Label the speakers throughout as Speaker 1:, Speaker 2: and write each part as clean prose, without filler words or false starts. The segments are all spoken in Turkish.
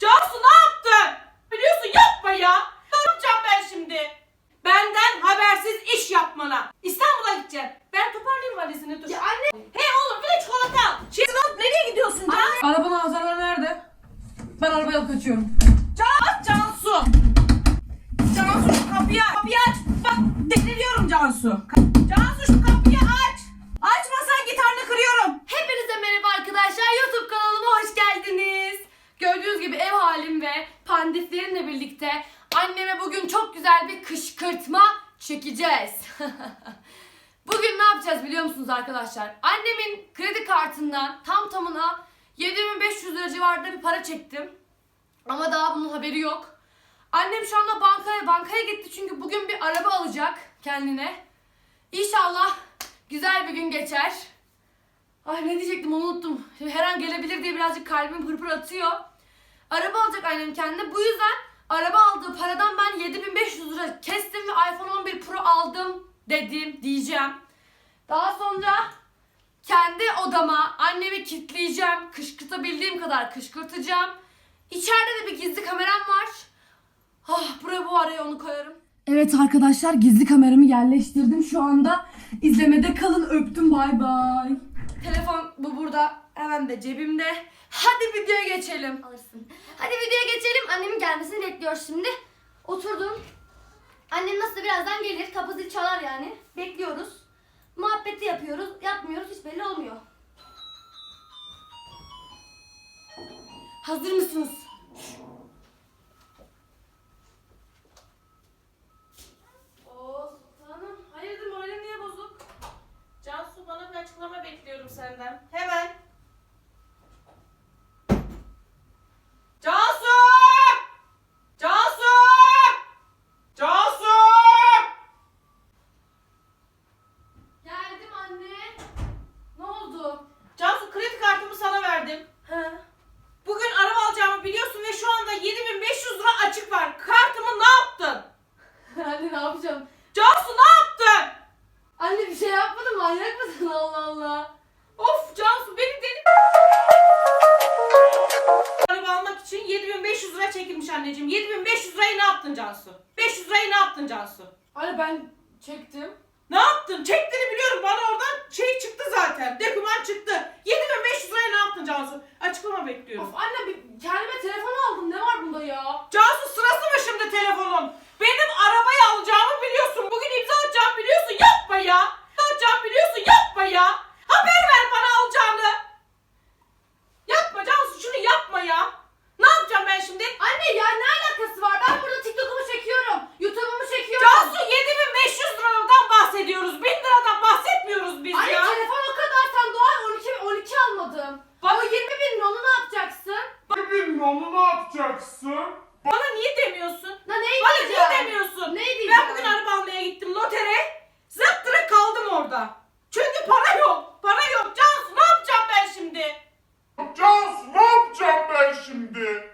Speaker 1: Cansu ne yaptın? Biliyorsun yapma ya. Ne yapacağım ben şimdi? Benden habersiz iş yapmana. İstanbul'a gideceğim. Ben toparlayayım valizini dur.
Speaker 2: Ya anne.
Speaker 1: Hey oğlum bir de çikolata al. Şimdi nereye gidiyorsun Cansu?
Speaker 2: Arabanın anahtarları nerede? Ben arabayı alıp kaçıyorum.
Speaker 1: Cansu. Cansu şu kapıyı aç. Kapıyı aç. Bak deliriyorum Cansu. Cansu şu kapıyı aç. Açmasan gitarını kırıyorum.
Speaker 2: Hepinize merhaba arkadaşlar. YouTube kanalıma hoş geldiniz. Gördüğünüz gibi ev halim ve pandiflerimle birlikte anneme bugün çok güzel bir kışkırtma çekeceğiz. Bugün ne yapacağız biliyor musunuz arkadaşlar? Annemin kredi kartından tam tamına 7500 lira civarında bir para çektim. Ama daha bunun haberi yok. Annem şu anda bankaya gitti çünkü bugün bir araba alacak kendine. İnşallah güzel bir gün geçer. Ay ne diyecektim onu unuttum. Şimdi her an gelebilir diye birazcık kalbim pırpır atıyor. Araba alacak annem kendine. Bu yüzden araba aldığı paradan ben 7500 lira kestim ve iPhone 11 Pro aldım diyeceğim. Daha sonra kendi odama annemi kilitleyeceğim. Kışkırtabildiğim kadar kışkırtacağım. İçeride de bir gizli kameram var. Buraya bu araya onu koyarım. Evet arkadaşlar gizli kameramı yerleştirdim. Şu anda izlemede kalın. Öptüm bay bay. Telefon bu burada. Hemen de cebimde. Hadi videoya geçelim.
Speaker 3: Alırsın. Hadi videoya geçelim. Annemin gelmesini bekliyoruz şimdi. Oturdum. Annem nasıl birazdan gelir. Kapı zil çalar yani. Bekliyoruz. Muhabbeti yapıyoruz. Yapmıyoruz. Hiç belli olmuyor.
Speaker 2: Hazır mısınız?
Speaker 1: Sultanım hayırdır moralim niye bozuk? Cansu bana bir açıklama bekliyorum senden. Hemen. Cansu! Cansu! Cansu!
Speaker 2: Geldim anne. Ne oldu?
Speaker 1: Cansu kredi kartımı sana verdim.
Speaker 2: He.
Speaker 1: Bugün araba alacağımı biliyorsun ve şu anda 7500 lira açık var. Kartımı ne yaptın?
Speaker 2: Anne ne yapacağım?
Speaker 1: Cansu ne yaptın?
Speaker 2: Anne bir şey yapmadım, manyak mısın? Allah Allah.
Speaker 1: Of Cansu beni deli... Araba almak için 7500 lira çekilmiş anneciğim. 7500 lirayı ne yaptın Cansu? 500 lirayı ne yaptın Cansu?
Speaker 2: Anne ben çektim.
Speaker 1: Ne yaptın? Çektiğini biliyorum. Bana oradan şey çıktı zaten. Doküman çıktı. 7500 lirayı ne yaptın Cansu? Açıklama bekliyorum.
Speaker 2: Of anne kendime telefon aldım. Ne var bunda ya?
Speaker 1: Cansu sırası mı şimdi telefonun? Benim arabayı alacağımı biliyorsun. Bugün imza atacağımı biliyorsun. Yapma ya. İmza atacağımı biliyorsun. Yapma ya. Haber ver bana alacağını. Yapma Cansu şunu yapma ya. Ne yapacağım ben şimdi?
Speaker 2: Anne ya ne alakası var? Ben burada TikTok'umu çekiyorum. YouTube'umu çekiyorum.
Speaker 1: Cansu 7500 liradan bahsediyoruz. 1000 liradan bahsetmiyoruz biz
Speaker 2: Anne
Speaker 1: ya.
Speaker 2: telefon o kadar. Sen doğal 12 almadım. O 20 bin onu ne yapacaksın?
Speaker 4: Onu ne yapacaksın?
Speaker 1: Bana niye demiyorsun?
Speaker 2: Na neyi
Speaker 1: Bana
Speaker 2: diyeceğim?
Speaker 1: niye demiyorsun?
Speaker 2: Ne diyeceğim?
Speaker 1: Ben bugün araba almaya gittim notere. Zıptıra kaldım orada. Çünkü para yok. Para yok. Cansu ne yapacağım ben şimdi?
Speaker 4: Cansu ne yapacağım ben şimdi?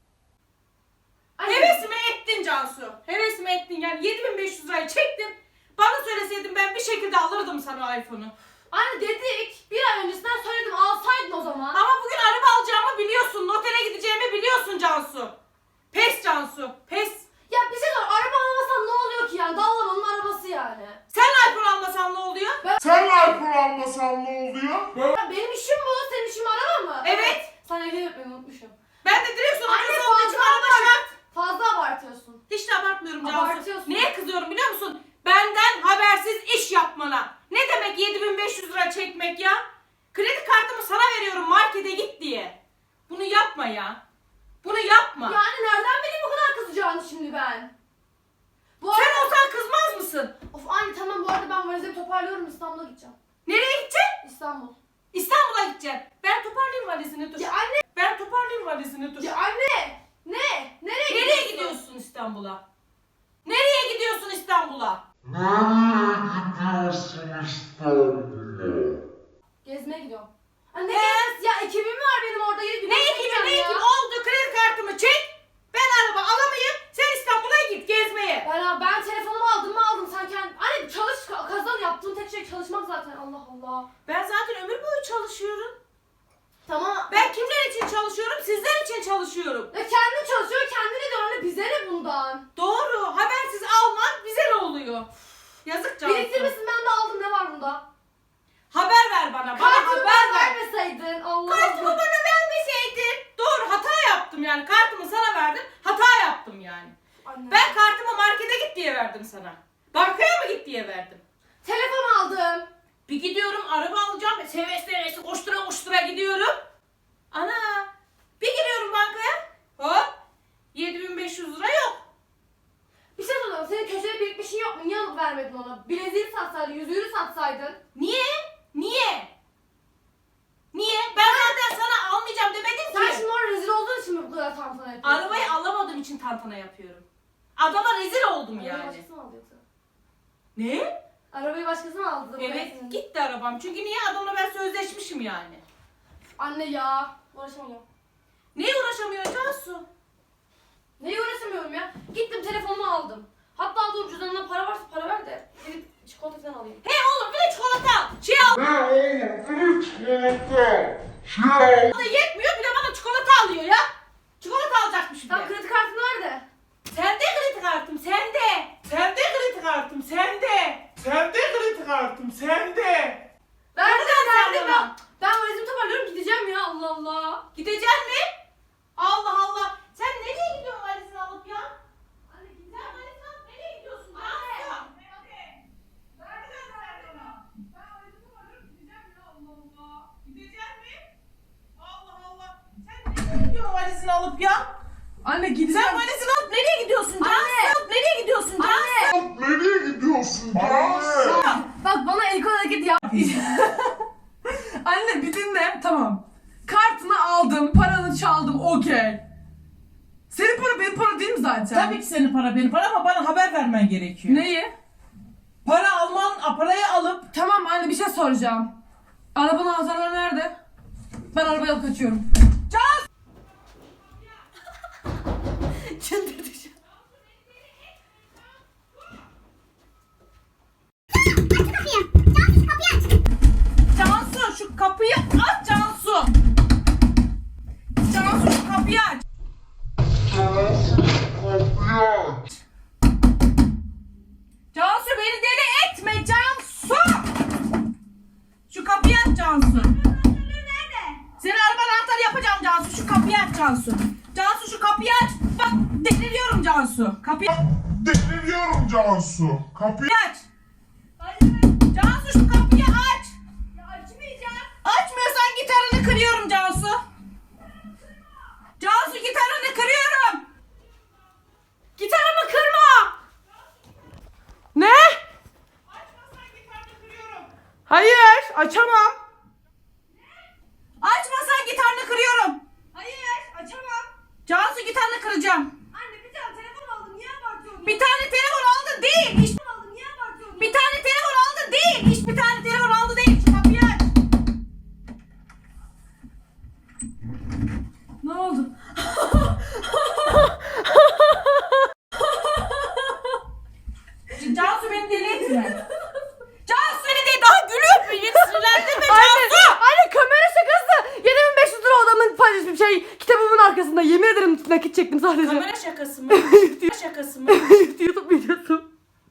Speaker 2: Anne,
Speaker 1: Hevesime ettin Cansu. Hevesime ettin yani 7500 lirayı çektim. Bana söyleseydin ben bir şekilde alırdım sana iPhone'u.
Speaker 2: Anne dedik. Bir ay öncesinden söyledim. Alsaydın o zaman.
Speaker 1: Ama bugün araba alacağımı biliyorsun. Notere gideceğimi biliyorsun Cansu. Pes Cansu. Pes.
Speaker 2: Ya bir şey sor. Araba almasan ne oluyor ki yani? Dallamanın arabası yani.
Speaker 1: Sen iPhone almasan ne oluyor?
Speaker 4: Sen iPhone almasan ne oluyor?
Speaker 2: Ya benim işim bu. Senin işin araba mı?
Speaker 1: Evet.
Speaker 2: Sen ehliyet öğretmeni unutmuşum.
Speaker 1: Ben de direksiyon
Speaker 2: Anne,
Speaker 1: arabası olduğu için
Speaker 2: fazla
Speaker 1: araba şart.
Speaker 2: Fazla abartıyorsun.
Speaker 1: Hiç de abartmıyorum Cansu.
Speaker 2: Abartıyorsun.
Speaker 1: Neye kızıyorum biliyor musun? Benden habersiz iş yapmana. Ne demek 7500 lira çekmek ya? Kredi kartımı sana veriyorum markete git diye. Bunu yapma ya. Bunu yapma.
Speaker 2: Yani nereden bileyim bu kadar kızacağını şimdi ben? Bu arada...
Speaker 1: Sen olsan kızmaz mısın?
Speaker 2: Of anne tamam bu arada ben valizimi toparlıyorum İstanbul'a gideceğim.
Speaker 1: Nereye gideceksin?
Speaker 2: İstanbul.
Speaker 1: İstanbul'a gideceksin. Ben toparlayayım valizini dur.
Speaker 2: Ya anne!
Speaker 1: Ben toparlayayım valizini dur.
Speaker 2: Ya anne! Ne?
Speaker 1: Nereye gidiyorsun İstanbul'a? Nereye gidiyorsun İstanbul'a?
Speaker 4: Nereye gidiyorsun İstanbul'a?
Speaker 2: Gezmeye gidiyorum. Anne ne gezmesi? Ya ekibim var benim orada.
Speaker 1: Ne ekibi oldu kredi kartımı çek. Ben araba alamayayım. Sen İstanbul'a git gezmeye.
Speaker 2: Ben telefonumu aldım mı aldım sen kendi. Anne çalış kazan yaptığım tek şey çalışmak zaten Allah Allah.
Speaker 1: Ben zaten ömür boyu çalışıyorum.
Speaker 2: Tamam.
Speaker 1: Ben kimler için çalışıyorum? Sizler için çalışıyorum.
Speaker 2: Ya kendi Bize ne bundan?
Speaker 1: Doğru. Habersiz almak bize ne oluyor? Yazık Cansu.
Speaker 2: Biriktirmesin, ben de aldım, ne var bunda?
Speaker 1: Haber ver bana. Bana
Speaker 2: Kartımı
Speaker 1: haber
Speaker 2: bana
Speaker 1: ver.
Speaker 2: vermeseydin. Allah
Speaker 1: Kartımı
Speaker 2: Allah.
Speaker 1: bana vermeseydin. Doğru, hata yaptım yani. Kartımı sana verdim. Hata yaptım yani.
Speaker 2: Anne.
Speaker 1: Ben kartımı markete git diye verdim sana. Bankaya mı git diye verdim?
Speaker 2: Telefon aldım.
Speaker 1: Bir gidiyorum araba alacağım. Seve koştura koştura gidiyorum. Ana. Bir giriyorum bankaya. Hop. 7.500 lira yok.
Speaker 2: Bir şey soracağım. Senin köşede birikmişin yok mu? Niye alıp vermedin ona? Bileziğini satsaydın, yüzüğünü satsaydın.
Speaker 1: Niye? Niye? Niye? Ben zaten sana almayacağım demedim
Speaker 2: Sen
Speaker 1: ki.
Speaker 2: şimdi orada rezil olduğun için mi bu kadar tantana yapıyorsun?
Speaker 1: Arabayı alamadığım için tantana yapıyorum. Adama rezil oldum
Speaker 2: Arabayı
Speaker 1: yani.
Speaker 2: başkası mı aldı yoksa?
Speaker 1: Ne?
Speaker 2: Arabayı başkası mı aldı?
Speaker 1: Evet, gitti arabam. Çünkü niye, adamla ben sözleşmişim yani.
Speaker 2: Anne ya. Uğraşamıyorum.
Speaker 1: Neye uğraşamıyor Cansu?
Speaker 2: Neye uğraşamıyorum ya? Gittim telefonumu aldım. Hatta dur, cüzdanına para varsa para ver de gidip çikolata falan alayım.
Speaker 1: He oğlum, bir de çikolata al. Şey al.
Speaker 4: Ne oğlum? Bir çikolata. Şey
Speaker 1: O da yetmiyor, bir de bana çikolata alıyor ya. Çikolata alacakmış bir
Speaker 2: Tamam,
Speaker 1: de.
Speaker 2: kredi kartını ver de.
Speaker 1: Sende kredi kartım, sende. Sende kredi kartım, sende. Sende kredi kartım, sende.
Speaker 2: Verdim
Speaker 1: sen
Speaker 2: verdim
Speaker 1: bana?
Speaker 2: ben valizimi toparlıyorum, gideceğim ya, Allah Allah.
Speaker 1: Gideceksin mi? Allah Allah. Sen nereye gidiyorsun valizini alıp ya?
Speaker 2: Anne
Speaker 1: Sen
Speaker 2: gideceğim.
Speaker 1: valizini alıp nereye gidiyorsun? Cansu? Valizini alıp ya.
Speaker 2: Anne gideceğim.
Speaker 1: Sen valizini alıp nereye gidiyorsun Cansu?
Speaker 2: Anne.
Speaker 1: Nereye gidiyorsun Cansu?
Speaker 2: Anne.
Speaker 4: nereye gidiyorsun? Cansu.
Speaker 2: Bak bana el kol hareket yap.
Speaker 5: Anne bir dinle. Tamam. Kartını aldım, paranı çaldım, okey. Senin para benim para değil mi zaten?
Speaker 6: Tabii ki senin para benim para ama bana haber vermen gerekiyor.
Speaker 5: Neyi?
Speaker 6: Parayı alıp
Speaker 5: Tamam anne, bir şey soracağım. Arabanın anahtarları nerede? Ben arabayı alıp kaçıyorum.
Speaker 2: Çıldırdı şu an.
Speaker 6: Cansu şu kapıyı aç Cansu. Cansu şu kapıyı aç. Cansu beni deli etme Cansu. Şu kapıyı aç Cansu. Senin arabanın anahtarı yapacağım Cansu. Şu kapıyı aç Cansu. Cansu şu kapıyı aç. Bak deliriyorum Cansu. Kapıyı
Speaker 4: Deliriyorum Cansu. Kapıyı
Speaker 6: aç. Cansu şu kapıyı aç.
Speaker 2: Ya açmayacağım.
Speaker 6: Açmıyorsan gitarını kırıyorum Cansu. Cansu gitarını kırıyorum.
Speaker 1: Gitarımı kırma.
Speaker 6: Ne?
Speaker 1: Açmazsan gitarını kırıyorum.
Speaker 6: Hayır, açamam. Açmasan gitarını kırıyorum.
Speaker 1: Hayır, açamam.
Speaker 6: Cansu gitarını kıracağım.
Speaker 2: Anne bir tane telefon aldım, niye abartıyorsun?
Speaker 6: Bir tane telefon aldın değil. İş,
Speaker 2: aldım, niye abartıyorsun?
Speaker 6: bir tane telefon aldın değil. İş bir tane telefon aldı değil. Şu kapıyı aç.
Speaker 5: Ne oldu?
Speaker 6: Cansu beni deli etme. Cansu beni değil, daha gülüyor mu? Yeni sinirlendirme Cansu.
Speaker 2: Anne kamera şakası. 7500 lira adamın paylaşmış şey kitabımın arkasında. Yemin ederim nakit çektim sadece.
Speaker 1: Kamera şakası mı? Kamera şakası mı?
Speaker 2: YouTube videosu.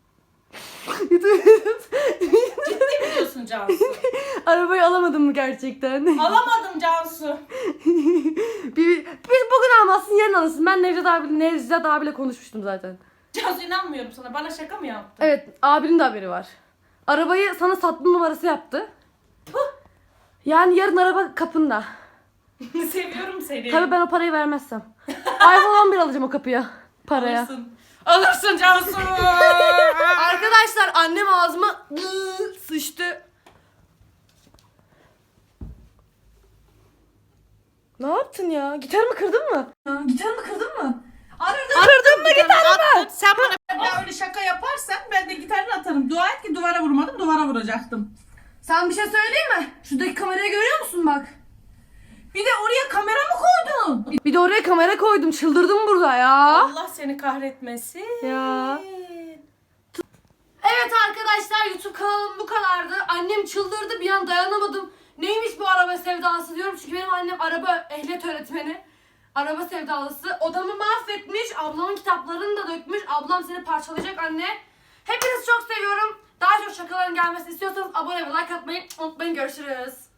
Speaker 1: Ciddi mi diyorsun Cansu?
Speaker 2: Arabayı alamadım mı gerçekten?
Speaker 1: Alamadım Cansu.
Speaker 2: Biz bugün almazsın, yarın alırsın. Ben Nevzat abiyle konuşmuştum zaten.
Speaker 1: Cansu inanmıyorum sana. Bana şaka mı yaptın?
Speaker 2: Evet, abinin de haberi var. Arabayı sana satma numarası yaptı. Yani yarın araba kapında.
Speaker 1: Seviyorum seni.
Speaker 2: Tabii ben o parayı vermezsem. iPhone 11 alacağım o kapıya. Paraya.
Speaker 1: Alırsın. Alırsın Cansu.
Speaker 2: Arkadaşlar annem ağzıma sıçtı. Ne yaptın ya? Gitarımı kırdın mı?
Speaker 5: Ya, gitarını kırdın mı?
Speaker 2: Kırdın mı gitarımı?
Speaker 6: Sen bana bir daha öyle şaka yaparsan ben de gitarını atarım. Dua et ki duvara vurmadım, duvara vuracaktım.
Speaker 5: Sen bir şey söyleyeyim mi? Şuradaki kamerayı görüyor musun bak?
Speaker 6: Bir de oraya kamera mı koydun?
Speaker 2: Bir de oraya kamera koydum. Çıldırdım burada ya.
Speaker 1: Allah seni kahretmesin.
Speaker 2: Ya. Evet arkadaşlar, YouTube kanalım bu kadardı. Annem çıldırdı, bir an dayanamadım. Neymiş bu araba sevdası diyorum çünkü benim annem araba ehliyet öğretmeni. Araba sevdalısı. Odamı mahvetmiş. Ablamın kitaplarını da dökmüş. Ablam seni parçalayacak anne. Hepinizi çok seviyorum. Daha çok şakaların gelmesini istiyorsanız abone ve like atmayı unutmayın. Görüşürüz.